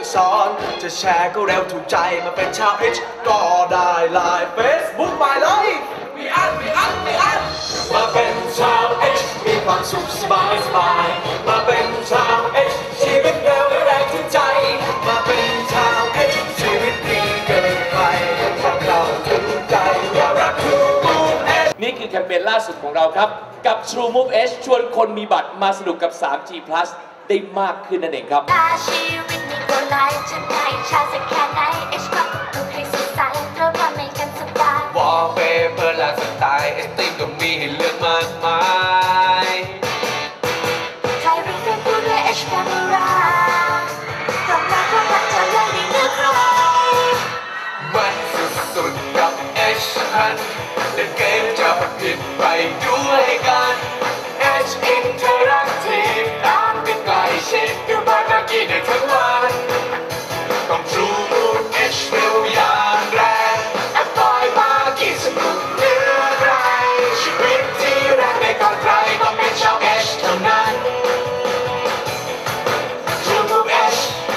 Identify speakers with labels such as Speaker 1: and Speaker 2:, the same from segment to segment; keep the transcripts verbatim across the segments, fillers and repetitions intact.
Speaker 1: สอนจะแชร์ก็เร็วถูกใจมาเป็นชาว H ก็ได้ไลน์ Facebook ไปเลยมีอันมีอันมีอันมาเป็นชาว H มีความสุขสบายสบายมาเป็นชาว H ชีวิตเร็วแรงถึงใจมาเป็นชาว H ชีวิตดีเกินไปพวกเราถึงใจว่ารัก True Move H
Speaker 2: นี่คือแคมเปญล่าสุดของเราครับกับ True Move H ชวนคนมีบัตรมาสนุกกับ ทรีจี Plus ได้มากขึ้นนั่นเองครับ
Speaker 3: ชีวิตมีโกไลฟ์จะไหนชาสักแค่ไหน H ก็ดูให้สดใสเพราะว่าไม่กันสบายวอลเปเปอร์หลากสไตล์ H ตีมก็มีให้เลือกมากมายถ่ายรูปเป็นผู้ด้วย H แคมเมราความรักความรักจะยังไม่เลือกใครมันสุดๆกับ H พันเล่นเกมจะผิดไปด้วยกัน H Interactive ตามกันใกล้ชิดอยู่บ้านเมื่อกี้ได้ทั้งวันต้อง True Move H เร็วอย่างแรงแอปปล่อยมากี่สนุกเหลือใครชีวิตที่แรงไม่ก่อนใครต้องเป็นชาว H เท่านั้น True Move H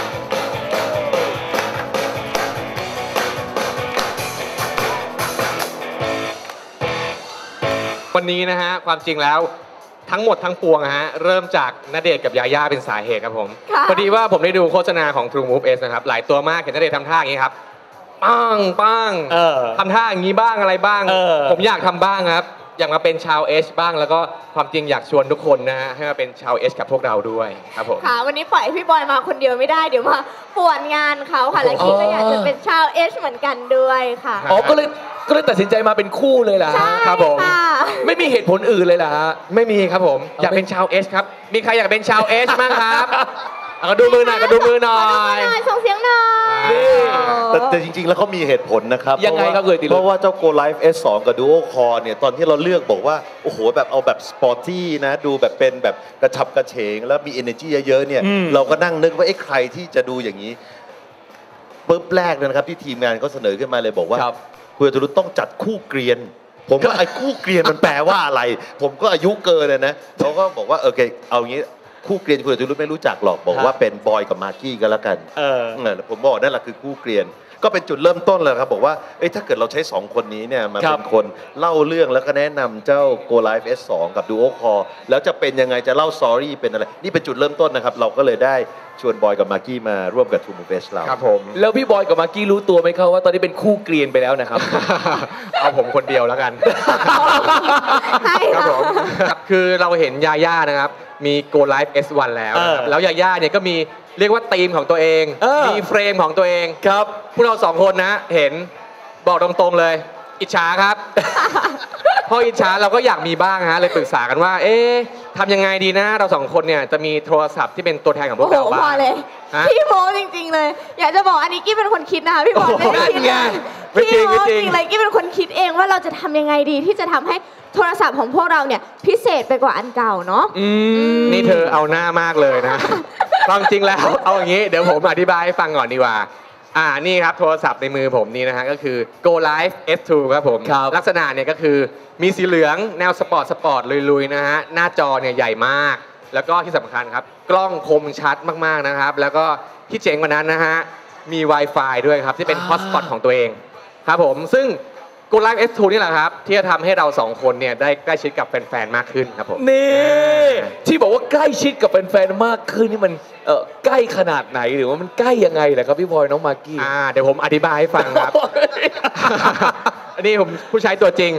Speaker 4: วันนี้นะฮะความจริงแล้วทั้งหมดทั้งปวงฮะเริ่มจากณเดชน์กับยาย่าเป็นสาเหตุครับผมพอดีว่าผมได้ดูโฆษณาของ True Move H นะครับหลายตัวมากเห็นณเดชน์ทำท่าอย่างนี้ครับปังปังทำท่าอย่างนี้บ้างอะไรบ้างผมอยากทำบ้างครับอยากมาเป็นชาว H บ้างแล้วก็ความจริงอยากชวนทุกคนนะฮะให้มาเป็นชาว H กับพวกเราด้วยครับผม
Speaker 5: ค่ะวันนี้ปล่อยพี่บอยมาคนเดียวไม่ได้เดี๋ยวมาป่วนงานเขาค่ะและคิดก็อยากจะเป็นชาว H เหมือนกันด้วยค่ะ
Speaker 6: อ๋อก็เลยก็เลยตัดสินใจมาเป็นคู่เลยล่ะ
Speaker 4: ครับผม
Speaker 6: ไม่มีเหตุผลอื่นเลยล่ะ
Speaker 4: ไม่มีครับผมอยากเป็นชาว H ครับมีใครอยากเป็นชาว H บ้างครับก็ดูมือหน่อยก็ดูมือหน่อย
Speaker 5: ส่งเสียงหน่อย
Speaker 7: แต่แต่จริงๆแล้วเขามีเหตุผลนะครับ
Speaker 6: ยังไงครับ
Speaker 7: เพราะว่าเจ้า Go Live เอส สอง กับ Duo Core เนี่ยตอนที่เราเลือกบอกว่าโอ้โหแบบเอาแบบสปอร์ตี้นะดูแบบเป็นแบบกระฉับกระเฉงแล้วมี energy เยอะๆเนี่ยเราก็นั่งนึกว่าไอ้ใครที่จะดูอย่างนี้ปุ๊บแรกเลยนะครับที่ทีมงานเขาเสนอขึ้นมาเลยบอกว่าคุณตุลุต้องจัดคู่เกรียนผมก็ไอ้คู่เกรียนมันแปลว่าอะไรผมก็อายุเกินเลยนะเขาก็บอกว่าโอเคเอางี้คู่เกรียนคุณตุลุไม่รู้จักหรอกบอกว่าเป็นบอยกับมากกี้กันแล้วกันเออผมบอกนั่นแหละคือคู่เกรียนก็เป็นจุดเริ่มต้นเลยครับบอกว่าเอ้ยถ้าเกิดเราใช้สองคนนี้เนี่ยมาเป็นคนเล่าเรื่องแล้วก็แนะนำเจ้า Go Live เอส สอง กับ Duo Core แล้วจะเป็นยังไงจะเล่าสตอรี่เป็นอะไรนี่เป็นจุดเริ่มต้นนะครับเราก็เลยได้ชวนบอยกับมากกี้มาร่วมกับ True Move H เรา
Speaker 4: ครับผม
Speaker 6: แล้วพี่บอยกับมากกี้รู้ตัวไหมครับว่าตอนนี้เป็นคู่เกรียนไปแล้วนะครับ
Speaker 4: เอาผมคนเดียวแล้วกันครับผมคือเราเห็นยาย่านะครับมี Go Live เอส วัน แล้วนะครับแล้วยาย่าเนี่ยก็มีเรียกว่าธีมของตัวเองมีเฟรมของตัวเอง
Speaker 6: ครับ
Speaker 4: พวกเราสองคนนะเห็นบอกตรงๆเลยอิจฉาครับพออิจฉาเราก็อยากมีบ้างฮะเลยปรึกษากันว่าเอ๊ะทำยังไงดีนะเราสองคนเนี่ยจะมีโทรศัพท์ที่เป็นตัวแทนของพวกเราบ้าง
Speaker 5: พอเลยพี่โมจริงๆเลยอยากจะบอกอันนี้กี้เป็นคนคิดนะคะพี่บอลไม่ได้คิดพี่โมจริงเลยกี้เป็นคนคิดเองว่าเราจะทำยังไงดีที่จะทำให้โทรศัพท์ของพวกเราเนี่ยพิเศษไปกว่าอันเก่าเนาะ
Speaker 4: นี่เธอเอาหน้ามากเลยนะความจริงแล้วเอาอย่างนี้เดี๋ยวผมอธิบายให้ฟังก่อนดีกว่าอ่านี่ครับโทรศัพท์ในมือผมนี่นะฮะก็คือ Go Live เอส ทู ครับผมลักษณะเนี่ยก็คือมีสีเหลืองแนวสปอร์ตสปอร์ตลุยๆนะฮะหน้าจอเนี่ยใหญ่มากแล้วก็ที่สำคัญครับกล้องคมชัดมากๆนะครับแล้วก็ที่เจ๋งกว่านั้นนะฮะมี Wi-Fi ด้วยครับที่เป็นฮอตสปอตของตัวเองครับผมซึ่งGo Live เอส ทู นี่แหละครับที่จะทำให้เราสองคนเนี่ยได้ใกล้ชิดกับแฟนๆมากขึ้นครับผม
Speaker 6: นี่ที่บอกว่าใกล้ชิดกับแฟนๆมากขึ้นนี่มันเออใกล้ขนาดไหนหรือว่ามันใกล้ยังไงแหละครับพี่บอยน้องมากกี้
Speaker 4: อ่าเดี๋ยวผมอธิบายให้ฟังครับอันนี้ผมผู้ใช้ตัวจริง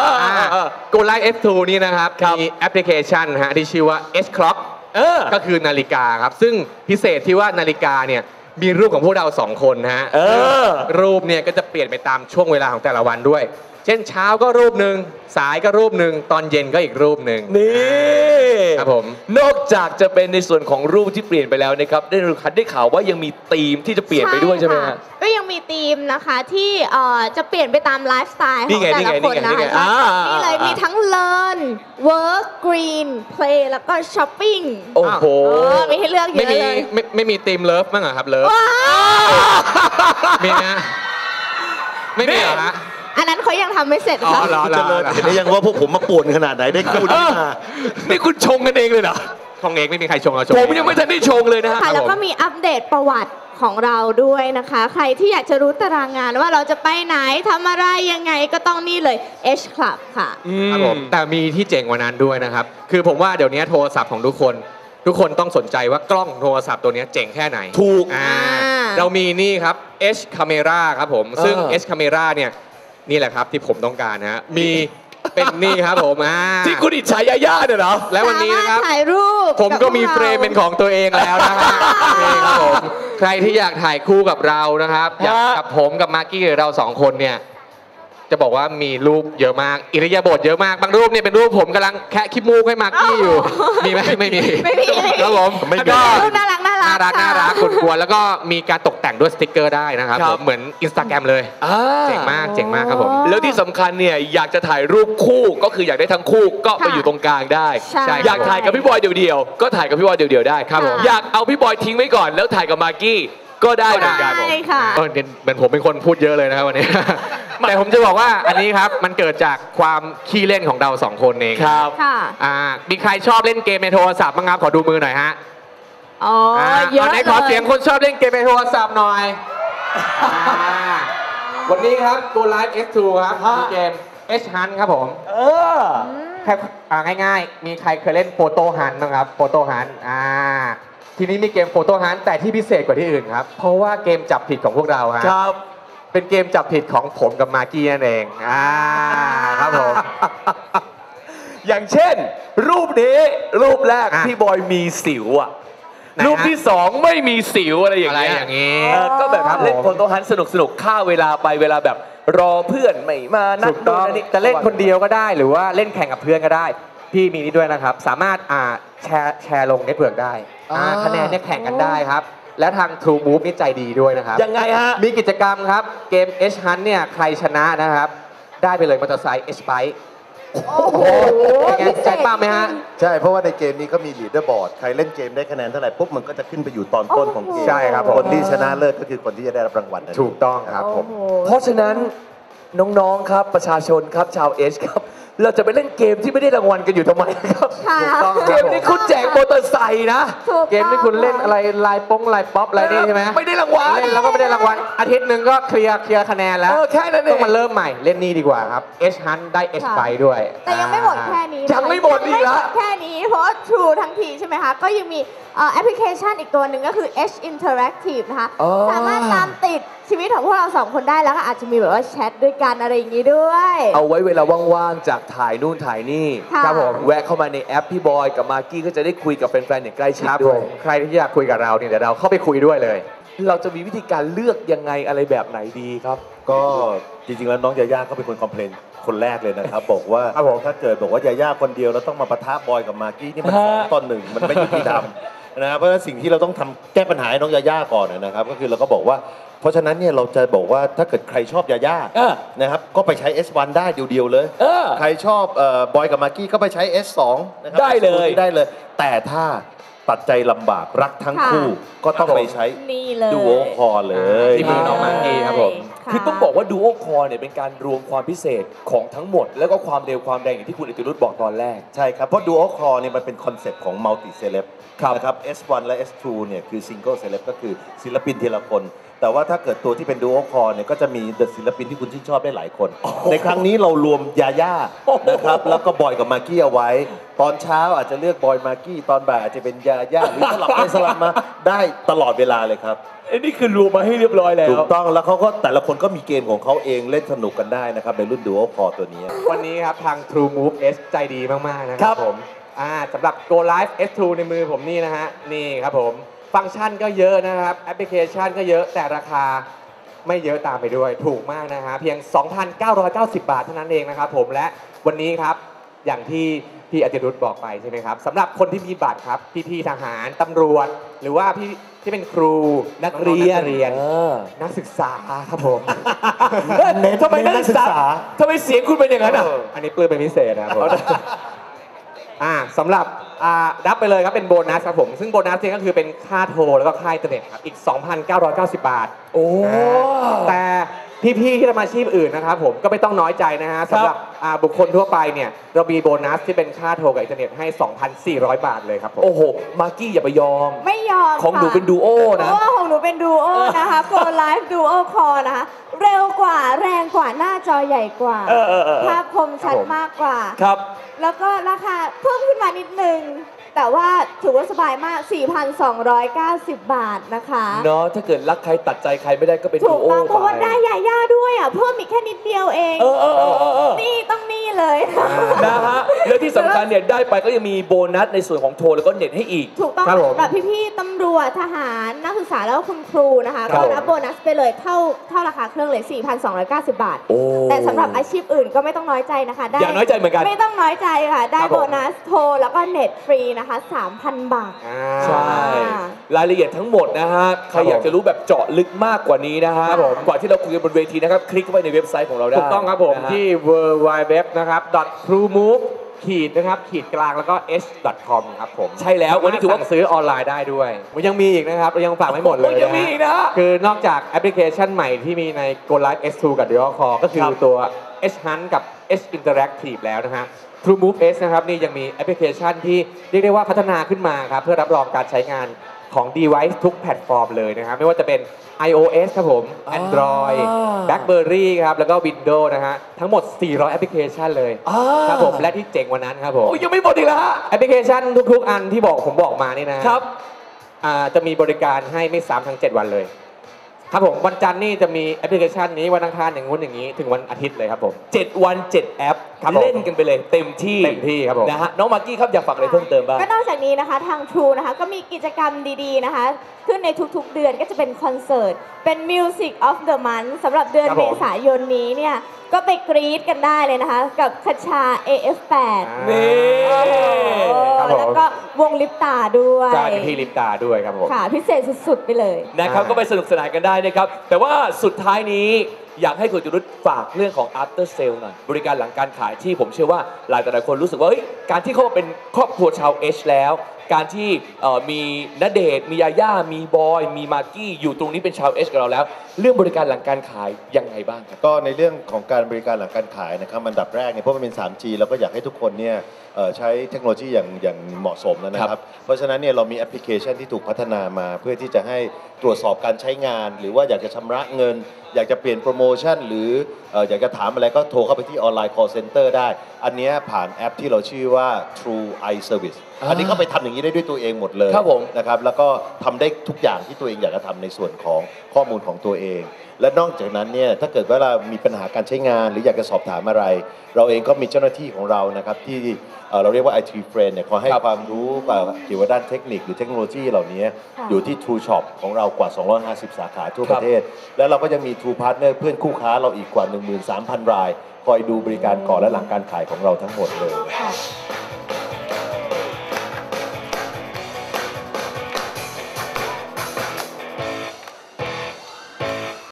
Speaker 4: Go Live เอส ทู นี่นะครับมีแอปพลิเคชันฮะที่ชื่อว่า H Clock ก็คือนาฬิกาครับซึ่งพิเศษที่ว่านาฬิกาเนี่ยมีรูปของพวกเราสองคนฮะรูปเนี่ยก็จะเปลี่ยนไปตามช่วงเวลาของแต่ละวันด้วยเช่นเช้าก็รูปหนึ่งสายก็รูปหนึ่งตอนเย็นก็อีกรูปหนึ่ง
Speaker 6: นี่
Speaker 4: ครับผม
Speaker 6: นอกจากจะเป็นในส่วนของรูปที่เปลี่ยนไปแล้วนะครับได้รู้ได้ข่าวว่ายังมีธีมที่จะเปลี่ยนไปด้วยใช่ไหมฮะ
Speaker 5: ก็ยังมีธีมนะคะที่จะเปลี่ยนไปตามไลฟ์สไตล์ของแต่ละคนนะคะนี่เลยมีทั้ง learn work green play แล้วก็ shopping
Speaker 6: โอ้โห
Speaker 5: มีให้เลือกเยอะเลย
Speaker 4: ไม่ไม่มีธีมเลิฟมั้งเหรอครับเลิฟมีนะไม่มีเหรอฮะ
Speaker 5: อันนั้นเขายังทำไม่เสร็จค่ะ
Speaker 7: เห็นได้ยังว่าพวกผมมาป่วนขนาดไหนได้คู่นี้มา
Speaker 6: นี่คุณชงกันเองเลยเหรอ
Speaker 4: ชงเองไม่มีใครชงเราชง
Speaker 6: ผมยังไม่ทันได้ชงเลยนะฮะ
Speaker 5: ค่ะแล้วก็มีอัปเดตประวัติของเราด้วยนะคะ ใครที่อยากจะรู้ตารางงานว่าเราจะไปไหนทำอะไรยังไงก็ต้องนี่เลย H Club ค่ะ
Speaker 4: ครับผมแต่มีที่เจ๋งกว่านั้นด้วยนะครับ คือผมว่าเดี๋ยวนี้โทรศัพท์ของทุกคน ทุกคนต้องสนใจว่ากล้องโทรศัพท์ตัวนี้เจ๋งแค่ไหน
Speaker 6: ถูก
Speaker 4: อ่า
Speaker 5: อ่า
Speaker 4: เรามีนี่ครับ H Camera ครับผม ซึ่ง
Speaker 6: เออ
Speaker 4: H Camera เนี่ยนี่แหละครับที่ผมต้องการนะฮะมีเป็นนี่ครับผมอ่า
Speaker 6: ที่คุณอิจฉายาย่าเนี่ยเหรอ
Speaker 4: และวันนี้นะครับ
Speaker 5: สามารถถ่ายรูป
Speaker 4: ผมก็มี
Speaker 5: บพว
Speaker 4: เฟรมเป็นของตัวเองแล้วนะฮะนี่ครับผมใครที่อยากถ่ายคู่กับเรานะครับอยากกับผมกับมากกี้หรือเราสองคนเนี่ยจะบอกว่ามีรูปเยอะมากอิริยาบถเยอะมากบางรูปเนี่ยเป็นรูปผมกำลังแคะขี้มูกให้มากกี้อยู่มีไหมไม่มี
Speaker 5: ไม่มีไม่มี
Speaker 4: ครับผม
Speaker 7: ไม่มี
Speaker 4: แล้วก็
Speaker 5: รูปน่ารักน่ารัก
Speaker 4: น่ารัก
Speaker 5: ค่ะ
Speaker 4: น่ารักกวนๆแล้วก็มีการตกแต่งด้วยสติกเกอร์ได้นะครับ
Speaker 6: ครับ
Speaker 4: ผมเหมือนอินสตาแกรมเลย
Speaker 6: อ่า
Speaker 4: เจ๋งมากเจ๋งมากครับผม
Speaker 6: แล้วที่สำคัญเนี่ยอยากจะถ่ายรูปคู่ก็คืออยากได้ทั้งคู่ก็ไป
Speaker 5: ค่ะ
Speaker 6: อยู่ตรงกลางได้
Speaker 5: ใช่
Speaker 6: อยากถ่ายกับพี่บอยเดี่ยวๆก็ถ่ายกับพี่บอยเดี่ยวๆได้
Speaker 5: ครับผม
Speaker 6: อยากเอาพี่บอยทิ้งไว้ก่อนแล้วถ่ายกับมากกี้ก็ได้เหมือนกัน
Speaker 5: ได้ค่ะ
Speaker 4: เออเนี่ยเหมือนผมเป็นคนพูดเยอะเลยนะครับวันนี้ แต่ผมจะบอกว่าอันนี้ครับมันเกิดจากความขี้เล่นของเราสองคนเอง
Speaker 6: ครับ
Speaker 5: ค่ะ
Speaker 4: อ่ามีใครชอบเล่นเกมในโทรศัพท์บ้างครับขอดูมือหน่อยฮะ
Speaker 5: อ๋อ
Speaker 4: อ่า
Speaker 5: เยอะ
Speaker 4: ไหน
Speaker 5: เลย
Speaker 4: ขอเสียงคนชอบเล่นเกมในโทรศัพท์หน่อยอ่าวันนี้ครับตัว Live เอส ทู ครับมีเกม H Hunt ครับผม
Speaker 6: เออ
Speaker 4: แค่อ่าง่ายๆ มีใครเคยเล่นโฟโต้ฮันบ้างครับโฟโต้ฮันอ่าทีนี้มีเกมโฟโต้ฮันแต่ที่พิเศษกว่าที่อื่นครับ เพราะว่าเกมจับผิดของพวกเราฮะ
Speaker 6: ครับ
Speaker 4: เป็นเกมจับผิดของผมกับมากกี้นั่นเองอ่าครับผม
Speaker 6: อย่างเช่น รูปนี้รูปแรก
Speaker 4: อ่ะ
Speaker 6: พี่บอยมีสิวอ่ะ
Speaker 4: ไหนฮะ
Speaker 6: รูปที่สองไม่มีสิวอะไรอย่างเงี้ย
Speaker 4: อะไรอย่างงี้
Speaker 6: เออก็แบบ
Speaker 4: ครับผม
Speaker 6: เล่นโฟโต้ฮันสนุกสนุกๆฆ่าเวลาไปเวลาแบบรอเพื่อนไม่มานั
Speaker 4: ถู
Speaker 6: ด
Speaker 4: กต้อง
Speaker 6: โดนนนี้
Speaker 4: จะเล่นคนเดียวก็ได้หรือว่าเล่นแข่งกับเพื่อนก็ได้ พี่มีนี่ด้วยนะครับ สามารถอ่าแชร์แชร์ลงเน็ตเวิร์กได้อ่าคะแนนเนี่ยแข่งกันได้ครับ และทาง True Move นี่ใจดีด้วยนะครับ
Speaker 6: ยังไงฮะ
Speaker 4: มีกิจกรรมครับเกม H Hunt เนี่ยใครชนะนะครับ ได้ไปเลยมอเตอร์ไซค์ H Bike
Speaker 5: โอ้โห
Speaker 4: เป็นไงใจป้าไหมฮะ
Speaker 7: ใช่เพราะว่าในเกมนี้ก็มีลีดเดอร์บอร์ดใครเล่นเกมได้คะแนนเท่าไหร่ปุ๊บมันก็จะขึ้นไปอยู่ตอนต้นของเกม
Speaker 4: ใช่ครับผม
Speaker 7: คนที่ชนะเลิศก็คือคนที่จะได้รับรางวัลนั้น
Speaker 4: ถูกต้องครับผม
Speaker 5: โอ้โห
Speaker 6: เพราะฉะนั้นน้องๆครับประชาชนครับชาวเอชครับ เราจะไปเล่นเกมที่ไม่ได้รางวัลกันอยู่ทำไมครับ
Speaker 5: ค่ะ
Speaker 4: ถูกต้อง
Speaker 6: เกมนี้คุณแจกมอเตอร์ไซค์นะ
Speaker 5: ถูกต้อง
Speaker 4: เกมที่คุณเล่นอะไรลายป้งลายป๊อปอะไรนี่ใช่ไหม
Speaker 6: ไม่ได้รางวัล
Speaker 4: เล่นแล้วก็ไม่ได้รางวัลอาทิตย์หนึ่งก็เคลียร์เคลียร์คะแนนแล้ว
Speaker 6: เออแค่นั้นเอง
Speaker 4: ต้องมาเริ่มใหม่เล่นนี่ดีกว่าครับ H Hunt ได้ H
Speaker 5: ค่ะ
Speaker 4: ไปด้วย
Speaker 5: แต่ยังไม่หมดแค่นี้นะคะ
Speaker 6: ยังไม่หมดอีกเหรอ
Speaker 5: ยังไม่หมดแค่นี้เพราะว่า True ทั้งทีใช่ไหมคะ ก็ยังมีเอ่อแอปพลิเคชันอีกตัวหนึ่งก็คือ H Interactive นะคะ
Speaker 6: อ๋อ
Speaker 5: สามารถตามติดชีวิตของพวกเราสองคนได้แล้วก็อาจจะมีแบบว่าแชทด้วยกันอะไรอย่างนี้ด้วย
Speaker 6: เอาไว้เวลาว่างๆจากถ่ายนู่นถ่ายนี่
Speaker 5: ค่ะ
Speaker 6: ครับผมแวะเข้ามาในแอปพี่บอยกับมากกี้ก็จะได้คุยกับแฟนๆอย่างใกล้ชิด
Speaker 4: ครับผ
Speaker 6: ด้วย
Speaker 4: มใครที่อยากคุยกับเราเนี่ยเดี๋ยวเราเข้าไปคุยด้วยเลย
Speaker 6: เราจะมีวิธีการเลือกยังไงอะไรแบบไหนดีครับ
Speaker 7: ก็จริงๆแล้วน้องยาย่าก็เป็นคนคอมเพลนคนแรกเลยนะครับ บอกว่า
Speaker 4: ครับผม
Speaker 7: ถ้าเกิดบอกว่ายาย่าคนเดียวแล้วต้องมาปะทะบอยกับมากกี้นี่มันสองต่อหนึ่งมันไม่ยุติธรรมนะครับเพราะฉะนั้นสิ่งที่เราต้องทำแก้ปัญหาให้น้องยาย่าก่อนนะครับ ก็คือเราก็บอกว่า เพราะฉะนั้นเนี่ยเราจะบอกว่าถ้าเกิดใครชอบยาย่า
Speaker 6: เออ
Speaker 7: นะครับก็ไปใช้ เอส วัน ได้เดียวๆเลย
Speaker 6: เออ
Speaker 7: ใครชอบเอ่อบอยกับมากกี้ก็ไปใช้ เอส สอง นะครั
Speaker 6: ได้เลย
Speaker 7: ได้เลย แต่ถ้าตัดใจลำบากรักทั้ง
Speaker 5: ค่ะ
Speaker 7: คู่ก็ต้องไปใช้
Speaker 5: นี่เลย
Speaker 7: ดูโอคอเลย
Speaker 4: ที่มือน้องมากกี้ครับผม
Speaker 5: ะ
Speaker 6: คือต้องบอกว่า Duo Core เนี่ยเป็นการรวมความพิเศษของทั้งหมด แล้วก็ความเร็วความแรงอย่างที่คุณอิติรุตบอกตอนแรก
Speaker 7: ใช่ครับ เพราะ Duo Core เนี่ยมันเป็นคอนเซปต์ของ Multi Celeb
Speaker 6: ครับ
Speaker 7: นะครับ เอส วัน และ เอส ทู เนี่ยคือ Single Celeb ก็คือศิลปินทีละคน แต่ว่าถ้าเกิดตัวที่เป็น Duo Core เนี่ยก็จะมีศิลปินที่คุณชื่นชอบได้หลายคน ในครั้งนี้เรารวมยาย่านะครับแล้วก็บอยกับมากกี้เอาไว้ ตอนเช้าอาจจะเลือกบอยมากกี้ตอนบ่ายอาจจะเป็นยาย่าหรือสลับไปสลับมาได้ตลอดเวลาเลยครับ
Speaker 6: ไอ้นี่คือรวมมาให้เรียบร้อยแล้ว
Speaker 7: ถูกต้องแล้วเขาก็แต่ละคนก็มีเกมของเขาเองเล่นสนุกกันได้นะครับในรุ่น Duo Core ตัวนี้
Speaker 4: วันนี้ครับทาง True Move S ใจดีมาก ๆ นะค
Speaker 6: ครั
Speaker 4: รับบ ผมอ่าสำหรับ Go Live เอส ทู ในมือผมนี่นะฮะ นี่ครับผม ฟังก์ชันก็เยอะนะครับ แอปพลิเคชันก็เยอะแต่ราคาไม่เยอะตามไปด้วย ถูกมากนะฮะ เพียง สองพันเก้าร้อยเก้าสิบ บาทเท่านั้นเองนะครับผมและวันนี้ครับ อย่างที่พี่อติรุธบอกไปใช่ไหมครับสำหรับคนที่มีบัตรครับ พี่ๆทหารตำรวจ หรือว่าพี่ที่เป็นครูนักเรียนนักเรียน
Speaker 6: เออ
Speaker 4: นักศึกษาครับผม
Speaker 6: เน้นทำไมนักศึกษาทำไมเสียงคุณเป็นอย่างนั้นอ่ะ
Speaker 4: อันนี้ปลื้มเป็นพิเศษนะครับผมอ่าสำหรับอ่ารับไปเลยครับเป็นโบนัสครับผม ซึ่งโบนัสเนี่ยก็คือเป็นค่าโทรแล้วก็ค่าอินเทอร์เน็ตครับ อีก สองพันเก้าร้อยเก้าสิบ บาท
Speaker 6: โอ้
Speaker 4: อ่าแต่พี่ๆที่ทำอาชีพอื่นนะครับผมก็ไม่ต้องน้อยใจนะฮะสำหรับอ่าบุคคลทั่วไปเนี่ยเรามีโบนัสที่เป็นค่าโทรกับอินเทอร์เน็ตให้ สองพันสี่ร้อย บาทเลยครับผม
Speaker 6: โอ้โหมากกี้อย่าไปยอม
Speaker 5: ไม่ยอม
Speaker 6: ของหนูเป็นดูโอ
Speaker 5: เพ
Speaker 6: นะ
Speaker 5: ราะว่าของหนูเป็นดูโอนะคะ Go Live Duo Call นะคะเร็วกว่าแรงกว่าหน้าจอใหญ่กว่า
Speaker 6: เออเออเออ
Speaker 5: ภาพคมชัดมากกว่า
Speaker 6: ครับ
Speaker 5: แล้วก็ราคาเพิ่มขึ้นมานิดนึง แต่ว่าถือว่าสบายมาก สี่พันสองร้อยเก้าสิบ บาทนะคะ
Speaker 6: เนาะถ้าเกิดรักใครตัดใจใครไม่ได้ก็เป็น
Speaker 5: ถู
Speaker 6: ดู
Speaker 5: ก
Speaker 6: โอ
Speaker 5: ต้องเพราะว่า
Speaker 6: ไป
Speaker 5: ได้ยาย่าด้วยอ่ะ เพิ่มอีกแค่นิดเดียวเอง
Speaker 6: เออเออเออเออเออ
Speaker 5: นี่ต้องนี่เลย
Speaker 6: นะฮะแล้วที่สำคัญเนี่ยได้ไปก็ยังมีโบนัสในส่วนของโทรแล้วก็เน็ตให้อีก
Speaker 5: ถูกต้อง
Speaker 4: ครับผม
Speaker 5: สำหรับพี่ๆตำรวจทหารนักศึกษาแล้วก็คุณครูนะคะ
Speaker 6: ครั
Speaker 5: ก็
Speaker 6: บ
Speaker 5: รับโบนัสไปเลยเท่าเท่าราคาเครื่องเลย สี่พันสองร้อยเก้าสิบ บาท
Speaker 6: โอ้
Speaker 5: แต่สำหรับอาชีพอื่นก็ไม่ต้องน้อยใจนะคะได้
Speaker 6: อย่าน้อยใจเหมือนกัน
Speaker 5: ไม่ต้องน้อยใจค่ะ ได้
Speaker 4: ครับผม
Speaker 5: โบนัสโทรแล้วก็เน็ตฟรีนะคะ สามพัน บาท
Speaker 4: อ่า
Speaker 6: ใช่ รายละเอียดทั้งหมดนะฮะ ใครอยากจะรู้แบบเจาะลึกมากกว่านี้นะฮะ
Speaker 5: ครับผม
Speaker 6: ก่อนที่เราคุยกันบนเวทีนะครับ คลิกเข้าไปในเว็บไซต์ของเราได้
Speaker 4: ถูกต้องครับผม
Speaker 6: นะฮะ
Speaker 4: ที่ ดับเบิลยู ดับเบิลยู ดับเบิลยู นะครับ .truemove ขีดนะครับขีดกลางแล้วก็ h .com ครับผม
Speaker 6: ใช่แล้ววันนี้ถือว่า
Speaker 4: สั่งซื้อออนไลน์ได้ด้วยมันยังมีอีกนะครับเรายังฝากไม่หมดเลย
Speaker 6: โอ้ยยังมีอีกนะ
Speaker 4: คือนอกจากแอปพลิเคชันใหม่ที่มีใน Go Live เอส ทู กับ Duo Call ก็คือ
Speaker 6: ครับ
Speaker 4: ตัว H Hunt กับ H Interactive แล้วนะฮะ TrueMove S นะครับนี่ยังมีแอปพลิเคชันที่เรียกได้ว่าพัฒนาขึ้นมาครับเพื่อรับรองการใช้งานของ device ทุกแพลตฟอร์มเลยนะครับไม่ว่าจะเป็น iOS ครับผม Android BlackBerry ครับแล้วก็ Windows นะฮะทั้งหมด สี่ร้อย แอปพลิเคชันเลย
Speaker 6: อ่า
Speaker 4: ครับผมและที่เจ๋งกว่านั้นครับผม
Speaker 6: โอ้ยยังไม่หมดอีกแล้วฮะ
Speaker 4: แอปพลิเคชันทุกๆ อันที่บอกผมบอกมานี่นะครับ อ่าจะมีบริการให้ไม่ซ้ำทั้ง เจ็ด วันเลย ครับผมวันจันทร์นี่จะมีแอปพลิเคชันนี้วันอังคารอย่างงู้นอย่างนี้ถึงวันอาทิตย์เลยครับผม
Speaker 6: เจ็ดวันเจ็ดแอป
Speaker 4: ครับผม
Speaker 6: เล่นกันไปเลยเต็มที่
Speaker 4: เต็มที่ครับผม
Speaker 6: นะฮะน้องมากกี้ครับอยากฝากอะไรเพิ่มเติมบ้าง
Speaker 5: ก็นอกจากนี้นะคะทาง True นะคะก็มีกิจกรรมดีๆนะคะ ขึ้นในทุกๆเดือนก็จะเป็นคอนเสิร์ต เป็น Music of the Month สำหรับเดือน
Speaker 4: ครับ
Speaker 5: เม
Speaker 4: ผม
Speaker 5: ษายนนี้เนี่ยก็ไปกรี๊ดกันได้เลยนะคะ กับคชา เอ เอฟ แปด
Speaker 6: นี่
Speaker 4: ครับผม
Speaker 5: แล้วก็วงลิปตาด้วย
Speaker 4: ใช่เป็นที่ลิปตาด้วยครับผม
Speaker 5: ค่ะพิเศษสุดๆไปเลย
Speaker 6: นะครับ
Speaker 4: อ่า
Speaker 6: ก็ไปสนุกสนานกันได้นะครับ แต่ว่าสุดท้ายนี้อยากให้คุณจุรุตฝากเรื่องของ after sale หน่อย บริการหลังการขายที่ผมเชื่อว่าหลายต่อหลายคนรู้สึกว่าเฮ้ยการที่เขามาเป็นครอบครัวชาวเอชแล้ว การที่เอ่อมีณเดชน์มียาย่ามีบอย มีมากกี้อยู่ตรงนี้เป็นชาวเอชกับเราแล้ว เรื่องบริการหลังการขายยังไงบ้างครับ
Speaker 7: ก็ในเรื่องของการบริการหลังการขายนะครับอันดับแรกเนี่ยเพราะมันเป็น ทรี จี เราก็อยากให้ทุกคนเนี่ยเอ่อใช้เทคโนโลยีอย่างอย่างเหมาะสมแล้วนะครับ เพราะฉะนั้นเนี่ยเรามีแอปพลิเคชันที่ถูกพัฒนามา เพื่อที่จะให้ตรวจสอบการใช้งาน หรือว่าอยากจะชำระเงิน อยากจะเปลี่ยนโปรโมชั่น หรือเอ่ออยากจะถามอะไรก็โทรเข้าไปที่ออนไลน์ call center ได้ อันเนี้ยผ่านแอปที่เราชื่อว่า True Eye Service อันนี้เข้าไปทำอย่างนี้ได้ด้วยตัวเองหมดเลย
Speaker 6: ครับผม
Speaker 7: นะครับแล้วก็ทำได้ทุกอย่างที่ตัวเองอยากจะทำในส่วนของข้อมูลของตัวเอง และนอกจากนั้นเนี่ยถ้าเกิดว่าเรามีปัญหาการใช้งาน หรืออยากจะสอบถามอะไร เราเองก็มีเจ้าหน้าที่ของเรานะครับที่เอ่อเราเรียกว่า ไอ ที Friend เนี่ยคอยให้
Speaker 6: ครับ
Speaker 7: ความรู้เกี่ยวกับด้านเทคนิคหรือเทคโนโลยีเหล่านี้
Speaker 5: ค่ะ
Speaker 7: อยู่ที่ True Shop ของเรากว่า สองร้อยห้าสิบ สาขาทั่ว
Speaker 6: ค
Speaker 7: ป
Speaker 6: รับ
Speaker 7: ระเทศ และเราก็ยังมี True Partner เพื่อนคู่ค้าเราอีกกว่า หนึ่งหมื่นสามพัน ราย คอยดูบริการก่อนและหลังการขายของเราทั้งหมดเลย
Speaker 5: ค่ะ